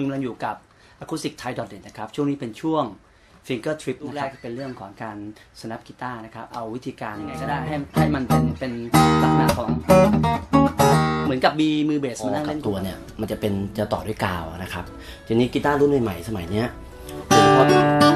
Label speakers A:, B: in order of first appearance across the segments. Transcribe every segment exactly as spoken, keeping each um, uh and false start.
A: คุณกำลังอยู่กับ acoustic thai dot net นะครับช่วงนี้เป็นช่วง finger trip นะครับเป็นเรื่องของการ snap กีตาร์นะครับเอาวิธีการยังไงก็ได้ให้ให้มันเป็นเป็นลักษณะของเหมือนกับมีมือเบสมานั่งเล่นตัวเนี่ยมันจะเป็นจะต่อด้วยกาวนะครับทีนี้กีตาร์รุ่นใหม่ๆสมัยเนี้ยโดยเฉพาะ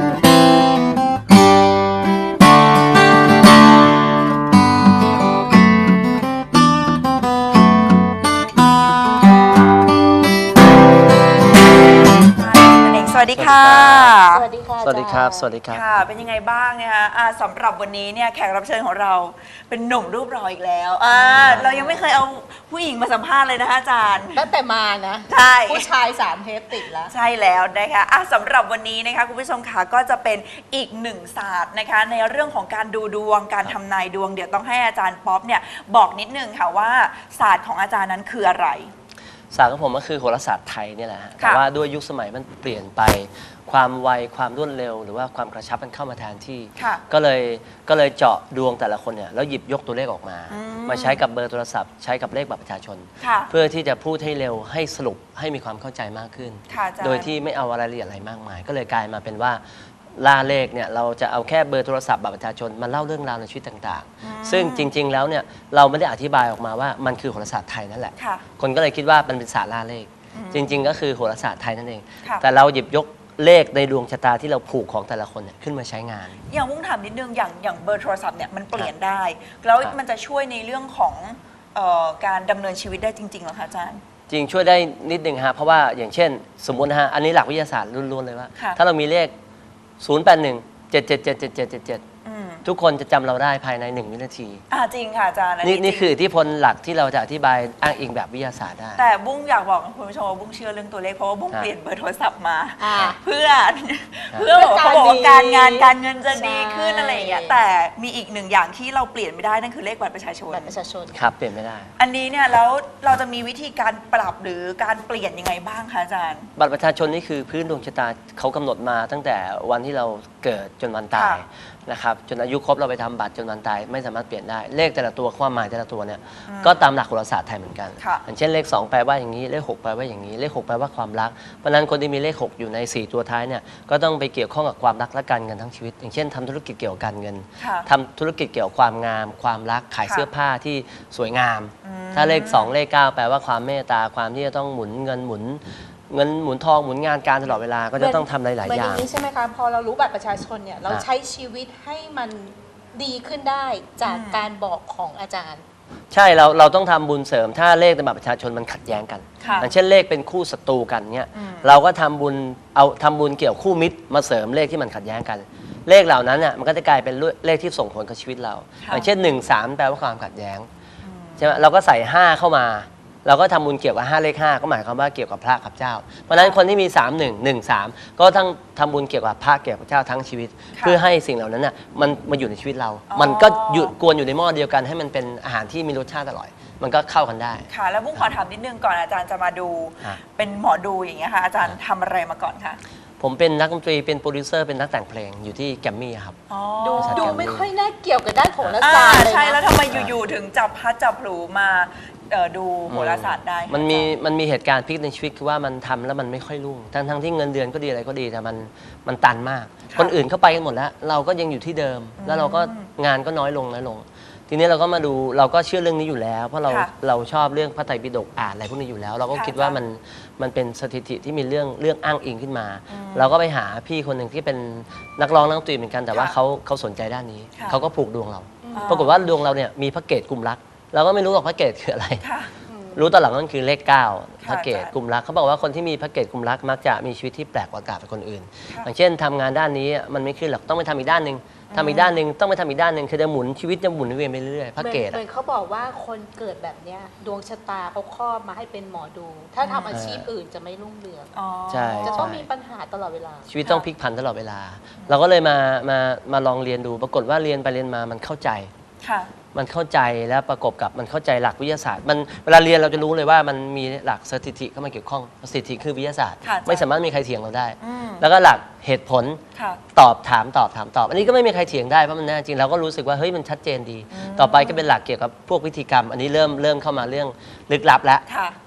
B: สวัสดีค่ะ
C: สวัสดีค่ะ
A: สวัสดีครับสวัสดีครับ
B: ค่ะเป็นยังไงบ้างนะคะสำหรับวันนี้เนี่ยแขกรับเชิญของเราเป็นหนุ่มรูปหล่ออีกแล้วเรายังไม่เคยเอาผู้หญิงมาสัมภาษณ์เลยนะคะอาจารย์
C: ตั้งแต่มานะ
B: ใช่
C: ผู้ชายสามเทปติดแล้ว
B: ใช่แล้วนะคะสำหรับวันนี้นะคะคุณผู้ชมค่ะก็จะเป็นอีกหนึ่งศาสตร์นะคะในเรื่องของการดูดวงการทำนายดวงเดี๋ยวต้องให้อาจารย์ป๊อปเนี่ยบอกนิดนึงค่ะว่าศาสตร์ของอาจารย์นั้นคืออะไร
D: ศาสตร์ของผมก็คือโหราศาสตร์ไทยนี่แหละฮะแต่ว่าด้วยยุคสมัยมันเปลี่ยนไปความไวความรวดเร็วหรือว่าความกระชับมันเข้ามาแทนที่ก็เลยก็เลยเจาะดวงแต่ละคนเนี่ยแล้วหยิบยกตัวเลขออกมามาใช้กับเบอร์โทรศัพท์ใช้กับเลขบัตรประชาชนเพื่อที่จะพูดให้เร็วให้สรุปให้มีความเข้าใจมากขึ้นโดยที่ไม่เอารายละเอียดอะไรมากมายก็เลยกลายมาเป็นว่าล่าเลขเนี่ยเราจะเอาแค่เบอร์โทรศัพท์บัตรประชาชนมาเล่าเรื่องราวในชีวิตต่างๆซึ่งจริงๆแล้วเนี่ยเราไม่ได้อธิบายออกมาว่ามันคือโหราศาสตร์ไทยนั่นแหละคนก็เลยคิดว่ามันเป็นศาสตร์ล่าเลขจริงๆก็คือโหราศาสตร์ไทยนั่นเองแต่เราหยิบยกเลขในดวงชะตาที่เราผูกของแต่ละคนเนี่ยขึ้นมาใช้งาน
B: อย่างมุ่งถามนิดนึงอย่างอย่างเบอร์โทรศัพท์เนี่ยมันเปลี่ยนได้แล้วมันจะช่วยในเรื่องของการดำเนินชีวิตได้จริงๆหรอคะอาจารย์
D: จริงช่วยได้นิดนึงฮะเพราะว่าอย่างเช่นสมมุตินะฮะอันนี้หลักวิทยาศาสตร์ล้วนๆเลยว่าถ้าเรามีเลขศูนย์ แปด หนึ่ง เจ็ด เจ็ด เจ็ด เจ็ด เจ็ด เจ็ด เจ็ดทุกคนจะจำเราได้ภายในหนึ่งวินาที
B: อ่าจริงค่ะอาจารย์
D: นี่นี่คืออิทธิพลหลักที่เราจะอธิบายอ้างอิงแบบวิทยาศาสตร์ได้
B: แต่บุ้งอยากบอกคุณผู้ชมว่าบุ้งเชื่อเรื่องตัวเลขเพราะว่าบุ้งเปลี่ยนเบอร์โทรศัพท์มาเพื่อเพื่อเขาบอกว่าการงานการเงินจะดีขึ้นอะไรอย่างเงี้ยแต่มีอีกหนึ่งอย่างที่เราเปลี่ยนไม่ได้นั่นคือเลขบัตรประชาชน
C: บัตรประชาชน
D: ครับเปลี่ยนไม่ได้
B: อันนี้เนี่ยแล้วเราจะมีวิธีการปรับหรือการเปลี่ยนยังไงบ้างคะอาจารย์
D: บัตรประชาชนนี่คือพื้นดวงชะตาเขากำหนดมาตั้งแต่วันที่เราเกิดจนวันตายนะครับจนอายุครบเราไปทำบัตรจนวันตายไม่สามารถเปลี่ยนได้เลขแต่ละตัวความหมายแต่ละตัวเนี่ยก็ตามหลักโหราศาสตร์ไทยเหมือนกันอย่างเช่นเลขสองแปลว่าอย่างนี้เลขหกแปลว่าอย่างนี้เลขหกแปลว่าความรักเพราะนั้นคนที่มีเลขหกอยู่ในสี่ตัวท้ายเนี่ยก็ต้องไปเกี่ยวข้องกับความรักและการเงินทั้งชีวิตอย่างเช่นทำธุรกิจเกี่ยวกับการเงินทำธุรกิจเกี่ยวกับความงามความรักขายเสื้อผ้าที่สวยงามถ้าเลขสองเลขเก้าแปลว่าความเมตตาความที่จะต้องหมุนเงินหมุนเงินหมุนทองหมุนงานการตลอดเวลาก็จะต้องทำหลายๆอย่าง
C: เหมือนนี้ใช่ไหมคะพอเรารู้บัตรประชาชนเนี่ยเราใช้ชีวิตให้มันดีขึ้นได้จากการบอกของอาจารย์
D: ใช่เราเราต้องทำบุญเสริมถ้าเลขในบัตรประชาชนมันขัดแย้งกันอย่างเช่นเลขเป็นคู่ศัตรูกันเนี่ยเราก็ทำบุญเอาทำบุญเกี่ยวคู่มิตรมาเสริมเลขที่มันขัดแย้งกันเลขเหล่านั้นเนี่ยมันก็จะกลายเป็นเลขที่ส่งผลกับชีวิตเราอย่างเช่นหนึ่ง สามแปลว่าความขัดแย้งใช่ไหมเราก็ใส่ห้าเข้ามาเราก็ทำบุญเกี่ยวกับห้าเลขห้าก็หมายความว่าเกี่ยวกับพระกับเจ้าเพราะฉะนั้นคนที่มีสาม หนึ่ง หนึ่ง สามก็ต้องทำบุญเกี่ยวกับพระเกี่ยวกับเจ้าทั้งชีวิตเพื่อให้สิ่งเหล่านั้นน่ะมันมาอยู่ในชีวิตเรามันก็หยุดกวนอยู่ในหม้อเดียวกันให้มันเป็นอาหารที่มีรสชาติอร่อยมันก็เข้ากันได้
B: ค่ะแล้วบุ้งขอถามนิดนึงก่อนอาจารย์จะมาดูเป็นหมอดูอย่างเงี้ยค่ะอาจารย์ทำอะไรมาก่อนคะ
D: ผมเป็นนักดนตรีเป็นโปรดิวเซอร์เป็นนักแต่งเพลงอยู่ที่แกรมมี่ครับ
C: ดูดูไม่ค่อยน่าเกี่ยวกับด้านโหราศาสตร์เลยนะ
B: ใช่แล้วทำไมอยู่ๆถึงจับพัดจับผูมาดูโหราศาสตร์ได้
D: มันมีมันมีเหตุการณ์พลิกในชีวิตคือว่ามันทำแล้วมันไม่ค่อยรุ่งทั้งทั้งที่เงินเดือนก็ดีอะไรก็ดีแต่มันมันตันมากคนอื่นเข้าไปกันหมดแล้วเราก็ยังอยู่ที่เดิมแล้วเราก็งานก็น้อยลงน้อยลงทีนี้เราก็มาดูเราก็เชื่อเรื่องนี้อยู่แล้วเพราะเราเราชอบเรื่องพระไตรปิฎกอ่านอะไรพวกนี้อยู่แล้วเราก็คิดว่ามันมันเป็นสถิติที่มีเรื่องเรื่องอ้างอิงขึ้นมาเราก็ไปหาพี่คนหนึ่งที่เป็นนักร้องนักดนตรีเหมือนกันแต่ว่าเขาเขาสนใจด้านนี้เขาก็ผูกดวงเราปรากฏว่าดวงเราเนี่ยมีพระเกศกุมรักเราก็ไม่รู้หรอกพระเกศคืออะไรรู้ตอนหลังนั่นคือเลขเก้าพระเกศกุมรักเขาบอกว่าคนที่มีพระเกศกุมรักมักจะมีชีวิตที่แปลกกว่าคนอื่นอย่างเช่นทำงานด้านนี้มันไม่ขึ้นหรอกต้องไปทำอีกด้านหนึ่งทำอีกด้านหนึ่งต้องไปทำอีกด้านหนึ่งคือจะหมุนชีวิตจะหมุนเวียนไปเรื่อยๆพระเกศ
C: เหมือนเขาบอกว่าคนเกิดแบบเนี้ยดวงชะตาเขาครอบมาให้เป็นหมอดูถ้าทำอาชีพอื่นจะไม่รุ่งเรือง
D: ใช่
C: จะต้องมีปัญหาตลอดเวลา
D: ชีวิตต้องพลิกผันตลอดเวลาเราก็เลยมามามาลองเรียนดูปรากฏว่าเรียนไปเรียนมามันเข้าใจมันเข้าใจแล้วประกอบกับมันเข้าใจหลักวิทยาศาสตร์มันเวลาเรียนเราจะรู้เลยว่ามันมีหลักสถิติเข้ามาเกี่ยวข้องสถิติคือวิทยาศาสตร์ไม่สามารถมีใครเถียงเราได้แล้วก็หลักเหตุผลตอบถามตอบถามตอบอันนี้ก็ไม่มีใครเถียงได้เพราะมันแน่จริงเราก็รู้สึกว่าเฮ้ยมันชัดเจนดีต่อไปก็เป็นหลักเกี่ยวกับพวกพิธีกรรมอันนี้เริ่มเริ่มเข้ามาเรื่องลึกลับแล้ว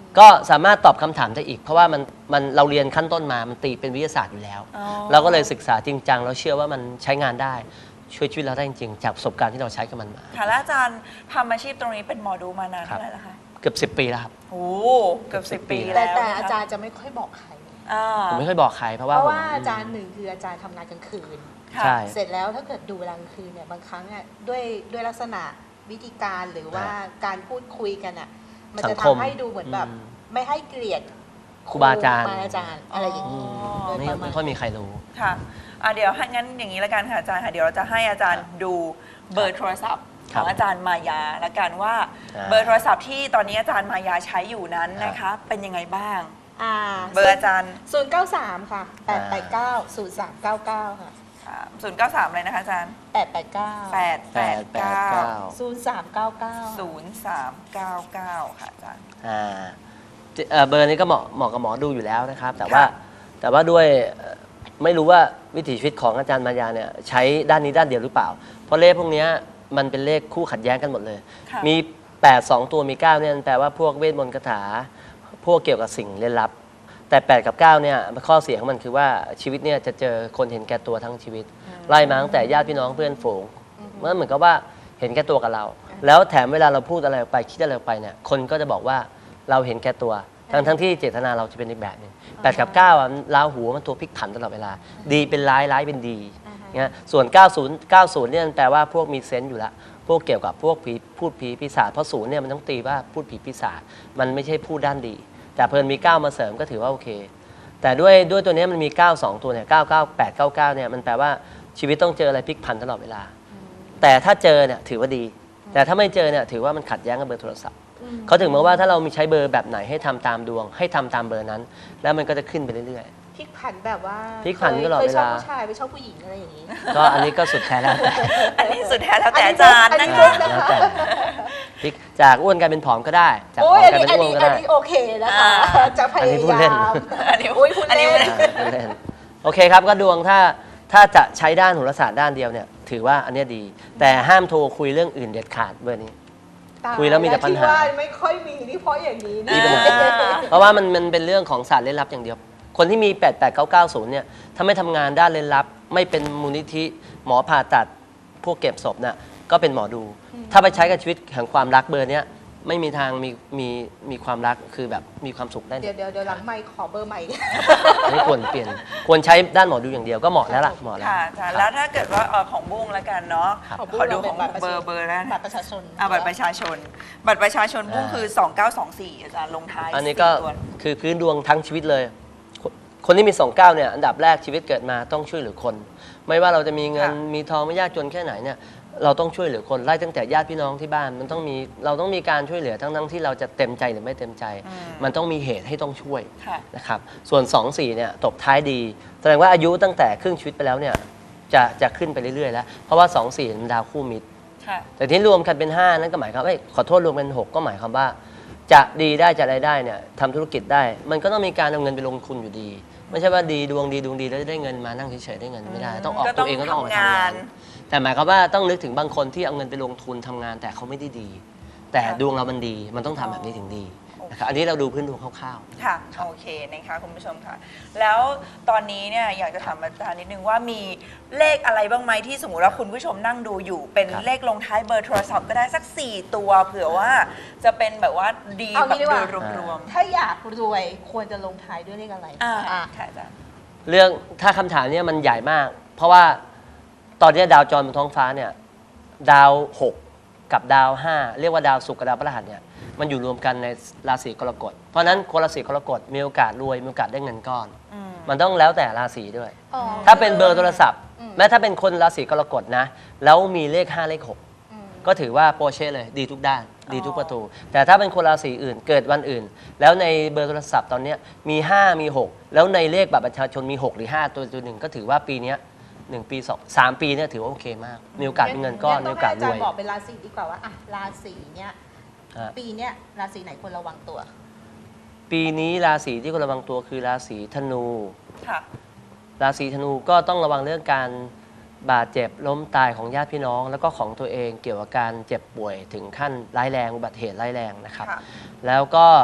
D: ก็สามารถตอบคำถามได้อีก เพราะว่ามันมันเราเรียนขั้นต้นมามันตีเป็นวิทยาศาสตร์อยู่แล้ว
B: อ๋อ
D: เราก็เลยศึกษาจริงจังแล้วเชื่อว่ามันใช้งานได้ช่วยชีวิตเราได้จริงๆจากประสบการณ์ที่เราใช้กับมันมา
B: ค่ะแล้วอาจารย์ทำอาชีพตรงนี้เป็นหมอดูมานาน
D: ครับ
B: เท่าไหร่แล้วคะ
D: เกือบสิบปีแล้วครับ
B: โอ้เกือบสิบ
D: ปี
B: ปี
C: แต่
B: แล้ว
C: แต่
B: นะคะ
C: อาจารย์จะไม่ค่อยบอกใคร
B: อ่า
D: ผมไม่ค่อยบอกใครเพราะ
C: เพ
D: ว่า
C: ราะ
D: ผม
C: ว่าอาจารย์หนึ่งคืออาจารย์ทำงานกลางคืน
B: ค่ะ
D: ใช่
C: เสร็จแล้วถ้าเกิดดูเวลากลางคืนเนี่ยบางครั้งอ่ะด้วยด้วยลักษณะวิธีการหรือว่าการพูดคุยกันอ่ะมัน
D: สั
C: จะ
D: งคม
C: ทำให้ดูเหมือนแบบ
D: อืม
C: ไม่ให้เกลียด
D: ครูบาอาจารย์
C: ครูบาอาจารย์อะไรอย่างนี้
B: อ๋อ
C: โดย
D: ไม่
C: ประมา
D: ไม่
C: ณ
D: ค่อยมีใครรู้
B: ค่ะอ่ะเดี๋ยวให้งั้นอย่างนี้ละกันค่ะอาจารย์ค่ะเดี๋ยวเราจะให้อาจารย์ดูเบอร์โทรศัพท์
D: ค
B: ข
D: รับ
B: องอาจารย์มายาละกันว่า
D: อ่า
B: เบอร์โทรศัพท์ที่ตอนนี้อาจารย์มายาใช้อยู่นั้นนะคะ เป็นยังไงบ้าง
C: อ่า
B: เบอร์อาจารย์
C: ศูนย์เก้าสามค่ะแปดแปดเก้าศูนย์สามเก้าเก้าค่ะ
B: ศูนย์เก้าสามเลยนะคะอาจารย์
C: แปดแปดเก้า
B: แปดแปดเก้า
C: ศูนย์สามเก้าเก้า
B: ศูนย์สามเก้าเก้าค่ะอาจารย์
D: อ่าจิเอ่อเบอร์นี้ก็เหมาะเหมาะกับหมอดูอยู่แล้วนะครับ แต่ว่า
B: ค่ะ
D: แต่ว่าด้วยเอ่อไม่รู้ว่าวิถีชีวิตของอาจารย์มายาเนี่ยใช้ด้านนี้ด้านเดียวหรือเปล่า เพราะเลขพวกเนี้ยมันเป็นเลขคู่ขัดแย้งกันหมดเลย
B: ค่ะ
D: มีแปด สองตัวมีเก้าเนี่ยแปลว่าพวกเวทมนต์คาถาพวกเกี่ยวกับสิ่งเร้นลับ แต่แปดกับเก้าเนี่ยข้อเสียของมันคือว่าชีวิตเนี่ยจะเจอคนเห็นแก่ตัวทั้งชีวิต ไล่มาตั้งแต่ญาติพี่น้องเพื่อนฝูงมันเหมือนกับว่าเห็นแก่ตัวกับเรา แล้วแถมเวลาเราพูดอะไรออกไปคิดอะไรออกไปเนี่ยคนก็จะบอกว่าเราเห็นแก่ตัว ทั้งทั้งที่เจตนาเราจะเป็นอีกแบบหนึงแปดกับเก้าอ่ะราหูมันตัวพลิกผันตลอดเวลา ดีเป็นร้ายร้ายเป็นดีเนี่ยส่วน เก้าสิบ เก้าสิบ เนี่ยมันแปลว่าพวกมีเซนส์อยู่แล้วพวกเกี่ยวกับพวกผีพูดผีปีศาจเพราะศูนย์เนี่ยมันต้องตีว่าพูดผีปีศาจมันไม่ใช่พูดด้านดี แต่เพลินมีเก้ามาเสริมก็ถือว่าโอเค แต่ด้วยด้วยตัวเนี้ยมันมีเก้า สองตัวเนี่ยเก้า เก้า แปด เก้า เก้าเนี่ยมันแปลว่าชีวิตต้องเจออะไรพลิกผันตลอดเวลา แต่ถ้าเจอเนี่ยถือว่าดี แต่ถ้าไม่เจอเนี่ยถือว่ามันขัดแย้งกับเบอร์โทรศัพท์เขาถึงบอกว่าถ้าเรามีใช้เบอร์แบบไหนให้ทำตามดวง ให้ทำตามเบอร์นั้น แล้วมันก็จะขึ้นไปเรื่อย
C: พลิกผันแบบว่า
D: พลิกผันตลอด
C: เคยชอบ
D: เวลา
C: ผู้ชายไปชอบผู้หญิงอะไรอย่างนี้
D: ๆ ก็อันนี้ก็สุดแท้แล้วแต่
B: อันนี้สุดแท้แล้วแต่อาจารย์
C: อัน
B: นะ
C: นี้
B: คะ
D: แล้วแต่พลิกจากอ้วนกลายเป็นผอมก็ได้ จากผ
C: โอ้
D: อย ม
C: อัน
D: กลาย
C: นี้
D: เป็น
C: อัน
D: อ้วน
C: นี้
D: ก็ได้
C: อันนี้โอเคนะคะ
B: อ่า
C: จะพ
D: อันนี้
C: ยา
D: พูดเล่
C: ยาน ม
B: อันนี้
C: อุ้ยพูด
B: อันนี้
C: เล่น
D: อ่าพูดเล่นโอเคครับก็ดวงถ้าถ้าจะใช้ด้านโหราศาสตร์ด้านเดียวเนี่ยถือว่าอันเนี้ยดี แต่ห้ามโทรคุยเรื่องอื่นเด็ดขาดเบอร์นี้ คุยแล้วมีแต่ปัญหา
C: ที่ว่าไม่ค่อยมีนี่เพราะอย่างนี้
D: มี
C: นี่
D: ปัญหา เพราะว่ามันมันเป็นเรื่องของศาสตร์เล่นลับอย่างเดียว คนที่มี แปด แปด เก้า เก้า ศูนย์ เนี่ย ถ้าไม่ทำงานด้านเล่นลับ ไม่เป็นมูลนิธิ หมอผ่าตัด พวกเก็บศพเนี่ยก็เป็นหมอดู ถ้าไปใช้กับชีวิตแห่งความรักเบอร์เนี้ยไม่มีทางมีมีมีความรักคือแบบมีความสุขได้
C: เดี๋ยวเดี๋ยวเดี๋ยวหลังไม่ขอเบอร์ใหม่
D: อันนี้ควรเปลี่ยน ควรใช้ด้านหมอดูอย่างเดียวก็เหมาะแล้วล่ะเหมาะแล้ว
B: ค่ะอาจารย์แล้วถ้าเกิดว่าเอ่อของบุ้งแล้วกันเนาะ
D: ครับ
B: ขอดูของเบอร์เบอร์แล้ว
C: บัตรประชาชน
B: อ่าบัตรประชาชน บัตรประชาชนบุ้ง
D: อ่า
B: คือ สองเก้าสองสี่ อาจารย์ลงท้าย
D: อันนี้ก็
B: สี่ตัว
D: คือพื้นดวงทั้งชีวิตเลย คนคนที่มีสองเก้าเนี่ยอันดับแรกชีวิตเกิดมาต้องช่วยเหลือคน ไม่ว่าเราจะมีเงิน
B: ค่ะ
D: มีทองไม่ยากจนแค่ไหนเนี่ยเราต้องช่วยเหลือคนไล่ตั้งแต่ญาติพี่น้องที่บ้านมันต้องมีเราต้องมีการช่วยเหลือทั้งทั้งที่เราจะเต็มใจหรือไม่เต็มใจ
B: อืม
D: มันต้องมีเหตุให้ต้องช่วย
B: ค่ะ
D: นะครับส่วน สอง สี่เนี่ยตบท้ายดี แสดงว่าอายุตั้งแต่ครึ่งชีวิตไปแล้วเนี่ยจะจะขึ้นไปเรื่อยๆแล้วเพราะว่า สอง สี่มันดาวคู่มิตร
B: ค่ะ
D: แต่ที่รวมกันเป็น ห้า นั่นก็หมายความว่าเอ้ยขอโทษรวมเป็น หก ก็หมายความว่า จะดีได้จะอะไรได้เนี่ยทำธุรกิจได้ มันก็ต้องมีการเอาเงินไปลงทุนอยู่ดี ไม่ใช่ว่าดีดวงดีดวงดีแล้วจะได้เงินมานั่งเฉยๆได้เงินไม่ได้ ต้องออก
B: ก็ต้
D: ตั
B: อง
D: วเองก็ต้องออกมา
B: ทำ
D: ทำงาง
B: าน น
D: แต่หมายความว่าต้องนึกถึงบางคนที่เอาเงินไปลงทุนทำงานแต่เขาไม่ได้ดี แต่
B: ค่ะ
D: ดวงเรามันดีมันต้องทำแบบนี้ถึงดี
B: โอเค
D: นะครับอันนี้เราดูพื้นดวงคร่าว
B: ค่ะ โอเคนะคะคุณผู้ชมค่ะ แล้วตอนนี้เนี่ยอยากจะถามอาจารย์นิดนึงว่ามีเลขอะไรบ้างไหมที่สมมติว่าคุณผู้ชมนั่งดูอยู่ เป็น
D: ครับ
B: เลขลงท้ายเบอร์โทรศัพท์ก็ได้สัก สี่ ตัวเผื่อว่าจะเป็นแบบว่าดี
C: เอา
B: แบบ
C: งี้ดีกว่า
B: โดยรวม
C: ถ้าอยากรวยควรจะลงท้ายด้วยเลขอะไร
B: ๆอ่า
C: อ่ะ
B: ค่ะอาจารย์
D: ๆ เรื่องถ้าคำถามเนี้มันใหญ่มาก เพราะว่าตอนนี้ดาวจรบนท้องฟ้าเนี่ยดาวหกกับดาวห้าเรียกว่าดาวศุกร์กับดาวพฤหัสเนี่ยมันอยู่รวมกันในราศีกรกฎเพราะฉะนั้นคนราศีกรกฎมีโอกาสรวยมีโอกาสได้เงินก้อน
B: อืม
D: มันต้องแล้วแต่ราศีด้วย
C: อ๋อ
D: ถ้าเป็นเบอร์โทรศัพท์
C: อืม
D: แม้ถ้าเป็นคนราศีกรกฎนะแล้วมีเลขห้าเลขหก
C: อืม
D: ก็ถือว่าโปรเช่เลยดีทุกด้าน ดีทุกประตู แต่ถ้าเป็นคนราศีอื่นเกิดวันอื่น แล้วในเบอร์โทรศัพท์ตอนเนี้ยมีห้ามีหกแล้วในเลขบัตรประชาชนมีหกหรือห้าตัวตัวหนึ่งก็ถือว่าปีเนี้ยหนึ่งปีสองสามปีเนี่ยถือว่าโอเคมาก มีโอกาสเป็นเงินก้อนมีโอกาสร
C: ต้ง
D: วย
C: ให้อาจารย์บอกเป็นราศีดีกว่าว่าอ่ะราศีเนี้ย
D: อ่ะ
C: ปีเนี้ยราศีไหนควรระวังตัว
D: ปีนี้ราศีที่ควรระวังตัวคือราศีธนู
B: ค่ะ
D: ราศีธนูก็ต้องระวังเรื่องการบาดเจ็บล้มตายของญาติพี่น้อง แล้วก็ของตัวเองเกี่ยวกับการเจ็บป่วยถึงขั้นร้ายแรงอุบัติเหตุร้ายแรงนะครับ
B: ค่ะ
D: แล้วก็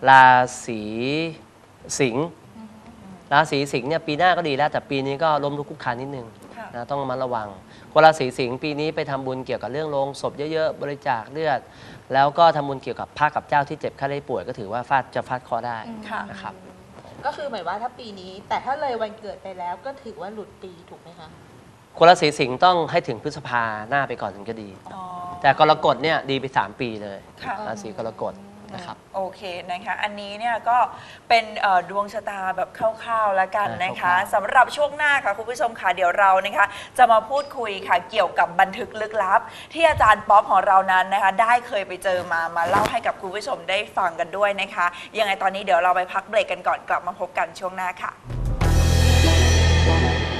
D: ราศีสิงห์ราศีสิงห์เนี่ยปีหน้าก็ดีแล้วแต่ปีนี้ก็ล้มลุกคลุกคลานนิดนึง
B: ค่ะ
D: นะต้องระมัดระวังคนราศีสิงห์ปีนี้ไปทำบุญเกี่ยวกับเรื่องโรงศพเยอะๆบริจาคเลือด แล้วก็ทำบุญเกี่ยวกับพระกับเจ้าที่เจ็บไข้ได้ป่วยก็ถือว่าฟาดจะฟาดเคราะห์ได้
B: ค่ะ
D: นะครับ
C: ก็คือหมายว่าถ้าปีนี้ แต่ถ้าเลยวันเกิดไปแล้วก็ถือว่าหลุดปีถูกไหมคะ
D: คนราศีสิงห์ต้องให้ถึงพฤษภาหน้าไปก่อนถึงจะดี
B: อ๋อ
D: แต่กรกฎเนี่ยดีไปสามปีเลย
B: ค่ะ
D: ราศีกรกฎนะครับ
B: โอเคนะคะ อันนี้เนี่ยก็เป็นเอ่อดวงชะตาแบบคร่าวๆแล้วกันนะคะ
D: คร่าวๆ
B: สำหรับช่วงหน้าค่ะคุณผู้ชมค่ะเดี๋ยวเรานะคะ จะมาพูดคุยค่ะเกี่ยวกับบันทึกลึกลับ ที่อาจารย์ป๊อปของเรานั้นนะคะ ได้เคยไปเจอมามาเล่าให้กับคุณผู้ชมได้ฟังกันด้วยนะคะยังไงตอนนี้เดี๋ยวเราไปพักเบรกกันก่อนกลับมาพบกันช่วงหน้าค่ะ